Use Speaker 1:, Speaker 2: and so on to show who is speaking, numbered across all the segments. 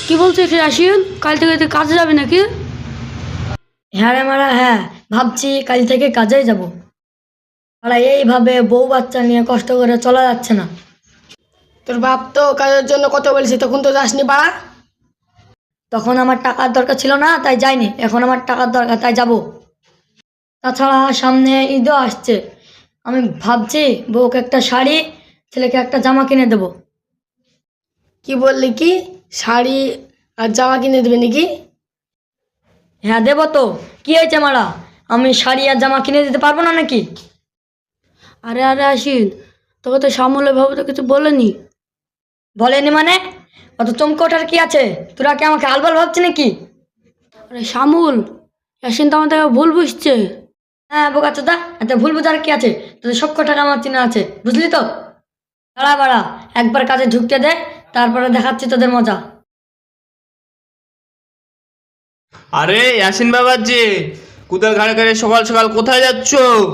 Speaker 1: কি বলছিস আসিন? কাল থেকে তুই কাজে যাবি নাকি?
Speaker 2: হ্যাঁ রে মারা, হ্যাঁ ভাবছি কাল থেকে কাজেই যাব। আর এইভাবে বউ বাচ্চা নিয়ে কষ্ট করে চলা যাচ্ছে না।
Speaker 3: তোর বাপ তো কাজের জন্য কত বলেছে, তখন তো যাসনি বাড়া।
Speaker 2: তখন আমার টাকার দরকার ছিল না তাই যাইনি, এখন আমার টাকার দরকার তাই যাব। তাছাড়া সামনে ঈদও আসছে, আমি ভাবছি বউকে একটা শাড়ি, ছেলেকে একটা জামা কিনে দেবো।
Speaker 3: কি বললি কি? শাড়ি আর জামা কিনে দেবে নাকি?
Speaker 2: হ্যাঁ দেবো তো, কি হয়েছে মারা? আমি শাড়ি আর জামা কিনে দিতে পারবো না নাকি?
Speaker 1: আরে আরে আসিন, তোকে তো সামলে ভাবে তো কিছু বলেনি।
Speaker 2: বলেনি মানে? অত চমকে ওঠার কি আছে? তোরা কি আমাকে আলবাল ভাবছি নাকি?
Speaker 1: আরে শামুল, আসিন তো আমাদের ভুল বুঝছে।
Speaker 2: হ্যাঁ বোকাচোদা, এত ভুল বোঝার কি আছে? তোদের সব টাকা আমার চেনা আছে, বুঝলি তো? দাঁড়া বাড়া, একবার কাজে ঢুকতে দে, তারপরে দেখাচ্ছি তোদের মজা।
Speaker 4: আরে ইয়াসিন বাবাজি, কুদাল ঘাড়ে ঘাড়ে সকাল সকাল কোথায় যাচ্ছ?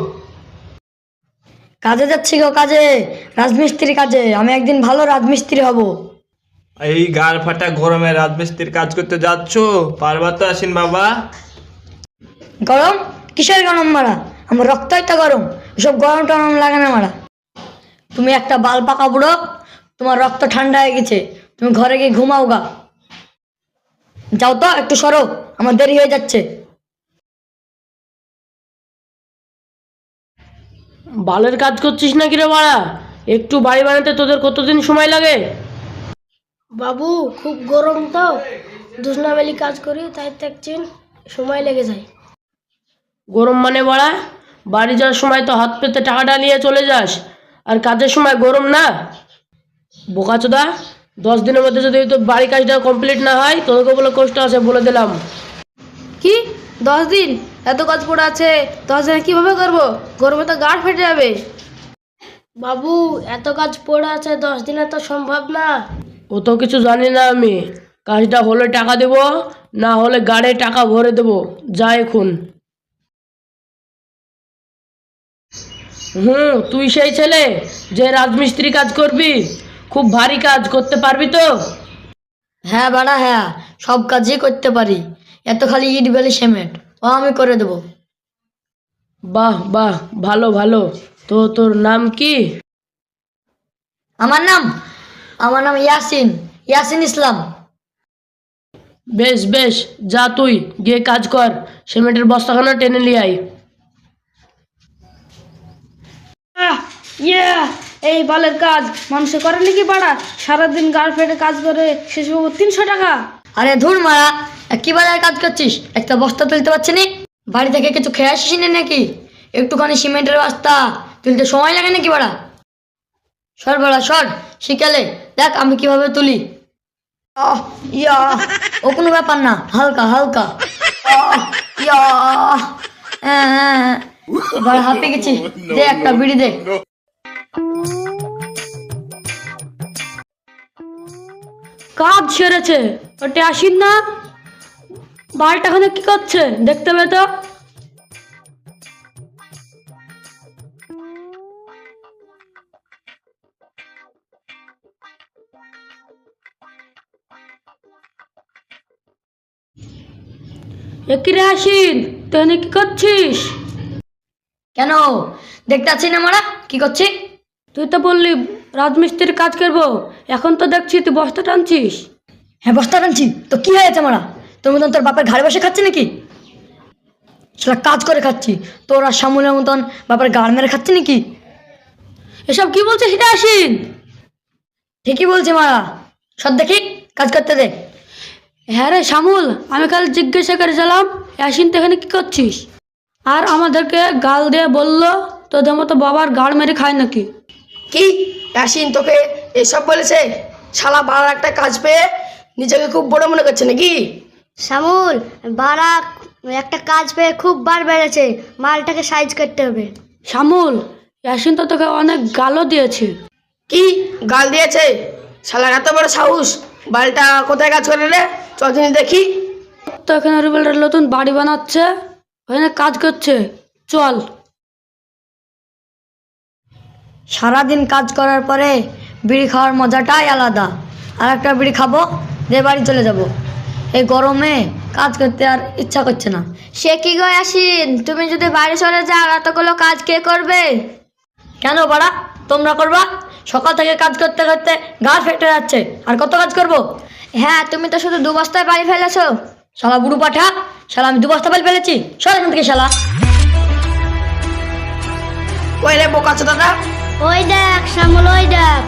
Speaker 2: কাজে যাচ্ছি গো, কাজে, রাজমিস্ত্রি কাজে। আমি একদিন ভালো রাজমিস্ত্রি হব।
Speaker 4: এই গাড় ফাটা গরমে রাজমিস্ত্রির কাজ করতে যাচ্ছ? পারবা তো ইয়াসিন বাবা?
Speaker 2: গরম? কিসের গরম মারা? আমার রক্তই তো গরম, ওসব গরম টরম লাগে না মারা। তুমি একটা বাল পাকা বুড়ো, তোমার রক্ত ঠান্ডা হয়ে গেছে, তুমি ঘরে গিয়ে ঘুমাও গা। যাও তো, একটু সরো, আমার দেরি হয়ে যাচ্ছে।
Speaker 5: বালের কাজ করছিস নাকি রে বাড়া? একটু বাড়ি বানাতে তোদের কতদিন সময় লাগে?
Speaker 3: বাবু খুব গরম তো, দুষ্ণাবেলি কাজ করি, তাই দেখছেন সময় লেগে যায়।
Speaker 5: গরম মানে বাড়া? বাড়ি যাওয়ার সময় তো হাত পেতে টাকাটা নিয়ে চলে যাস, আর কাজের সময় গরম না? বোকাচোদা, 10 দিনের মধ্যে যদি তোর বাড়ি কাজটা কমপ্লিট না হয় তোদেরকে বলে কষ্ট আছে, বলে দিলাম।
Speaker 1: কি 10 দিন? এত কাজ পড়ে আছে, 10 দিনে কিভাবে করবো? গরমে তো গাড় ফেটে যাবে।
Speaker 3: বাবু এত কাজ পড়ে আছে, 10 দিনে তো সম্ভব না।
Speaker 5: ও তো কিছু জানি না আমি। কাজটা হলে টাকা দেবো, না হলে গাড়ে টাকা ভরে দেবো। যা এখন। তুই সেই ছেলে যে রাজমিস্ত্রি কাজ করবি? খুব ভারী কাজ করতে পারবি তো?
Speaker 2: হ্যাঁ বাড়া, হ্যাঁ সব কাজই করতে পারি। এত খালি ইট বেলি সিমেন্ট, ও আমি করে দেবো।
Speaker 5: বাহ বাহ, ভালো ভালো। তো তোর নাম কি?
Speaker 2: আমার নাম আমার নাম ইয়াসিন, ইয়াসিন ইসলাম।
Speaker 5: বেশ বেশ, যা তুই গিয়ে কাজ কর, সিমেন্টের বস্তাখানা টেনে নিয়ে আয়।
Speaker 1: ইয়ে, এই বালের কাজ মানুষে করে নাকি পাড়া? সারাদিন গাড় ফেটে কাজ করে শেষ পাবো 300 টাকা।
Speaker 2: আরে ধুর মারা, কি বাজার কাজ করছিস? একটা বস্তা তুলতে পারছি নি? বাড়ি থেকে কিছু খেয়ে আসিস নি নাকি? একটুখানি সিমেন্টের বস্তা তুলতে সময় লাগে নাকি বাড়া? সর বাড়া সর, শিখালে দেখ আমি কিভাবে তুলি। আহ, ইয়া, ও কোনো ব্যাপার না, হালকা হালকা। আহ, ইয়া, এবার হাঁপে গেছি, দে একটা বিড়ি দে।
Speaker 1: কাজ সেরেছে, ওটা আসিন না। বাড়িটা ওখানে কি করছে দেখতে হবে তো। একিরে আসিন, তুই এখানে কি করছিস?
Speaker 2: কেন, দেখতে আছি না মারা কি করছি?
Speaker 1: তুই তো বললি রাজমিস্ত্রির কাজ করবো, এখন তো দেখছি তুই বস্তা টানছিস।
Speaker 2: হ্যাঁ বস্তা টানছি তো কি হয়েছে মারা? তোর মতন তোর বাপের ঘাড়ে বসে খাচ্ছি নাকি? সেটা কাজ করে খাচ্ছি, তোর আর সামুলের মতন বাপের গাড় মেরে খাচ্ছি নাকি?
Speaker 1: এসব কি বলছিস এটা আসিন?
Speaker 2: ঠিকই বলছি মারা, সব দেখি কাজ করতে দে।
Speaker 1: হ্যাঁ রে শামুল, আমি কাল জিজ্ঞাসা করেছিলাম আসিন তো এখানে কি করছিস, আর আমাদেরকে গাল দিয়ে বললো তোদের মতো বাবার গাড় মেরে খায় নাকি।
Speaker 3: কি ইয়াসিন তোকে এসব বলেছে? শালা বাড়ার একটা কাজ পেয়ে নিজেকে খুব বড় মনে করছে নাকি?
Speaker 6: শ্যামল, বাড়া একটা কাজ পেয়ে খুব বার বেড়েছে, মালটাকে সাইজ করতে হবে।
Speaker 1: শামুল, আসিন তো তোকে অনেক গালও দিয়েছে।
Speaker 3: কি গাল দিয়েছে? শালার এত বড় সাহস! বালটা কোথায় কাজ করে রে? চল তিনি দেখি।
Speaker 1: তো এখানে রুবেলটা নতুন বাড়ি বানাচ্ছে, ওখানে কাজ করছে, চল।
Speaker 2: সারাদিন কাজ করার পরে বিড়ি খাওয়ার মজাটাই আলাদা। আর একটা বিড়ি খাবো, দিয়ে বাড়ি চলে যাব। এই গরমে কাজ করতে আর ইচ্ছা করছে না।
Speaker 6: সে কি গো ইয়াসিন, তুমি যদি বাড়ি চলে যাও এতগুলো কাজ কে করবে?
Speaker 2: কেন বাড়া, তোমরা করবা? সকাল থেকে কাজ করতে করতে গা ফেটে যাচ্ছে, আর কত কাজ করব?
Speaker 6: হ্যাঁ, তুমি তো শুধু 2 বস্তায় বাড়ি ফেলেছো।
Speaker 2: শালা বুড়ো পাঠা, শালা আমি 2 বস্তা পাল ফেলেছি? সর এখান থেকে শালা।
Speaker 5: ওই রে বোকাচো দাদা,
Speaker 6: ওই দেখ শ্যামল, ওই দেখ।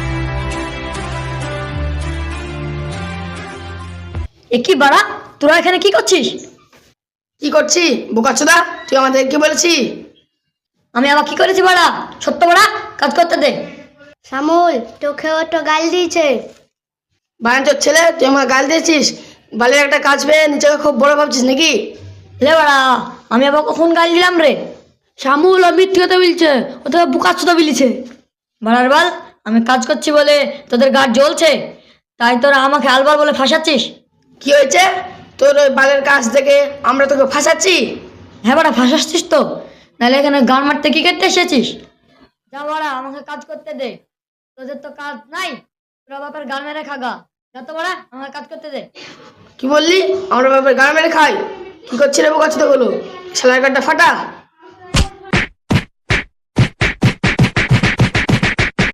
Speaker 2: এ কি বাড়া, তোরা এখানে কি করছিস?
Speaker 5: কি করছি বোকাচোদা? তুই আমাদের কি বলেছি?
Speaker 2: আমি আবার কি করেছি বাড়া? সত্য বাড়া, কাজ করতে দে।
Speaker 6: শ্যামল, তোকেও তো গাল দিয়েছে।
Speaker 5: বায়াঞ্চোর ছেলে, তুই আমার গাল দিয়েছিস? বালের একটা কাজ পেয়ে নিজেকে খুব বড় ভাবছিস নাকি?
Speaker 2: লে বাড়া, আমি আবার কখন গাল দিলাম রে?
Speaker 1: শ্যামল ও মিথ্যে কথা বলছে, ও তো বুকাচ্ছুতা বলিছে।
Speaker 2: বাড়ার বাল, আমি কাজ করছি বলে তোদের গাড় জ্বলছে, তাই তোরা আমাকে আলবার বলে ফাঁসাচ্ছিস?
Speaker 5: কি হয়েছে? তোর ওই বালের কাজ থেকে আমরা তোকে ফাঁসাচ্ছি?
Speaker 2: হ্যাঁ বাড়া, ফাঁসাচ্ছিস তো, নাহলে এখানে গান মারতে কি করতে এসেছিস? যা বাড়া, আমাকে কাজ করতে দে। তোদের তো কাজ নাই, তোরা বাপের গান মেরে খাগা। যা তো বাড়া, আমাকে কাজ করতে দে।
Speaker 5: কি বললি? আমরা বাপের গান মেরে খাই? কি করছি রে বোকাচোদা গুলো? শালার গাড়টা ফাটা।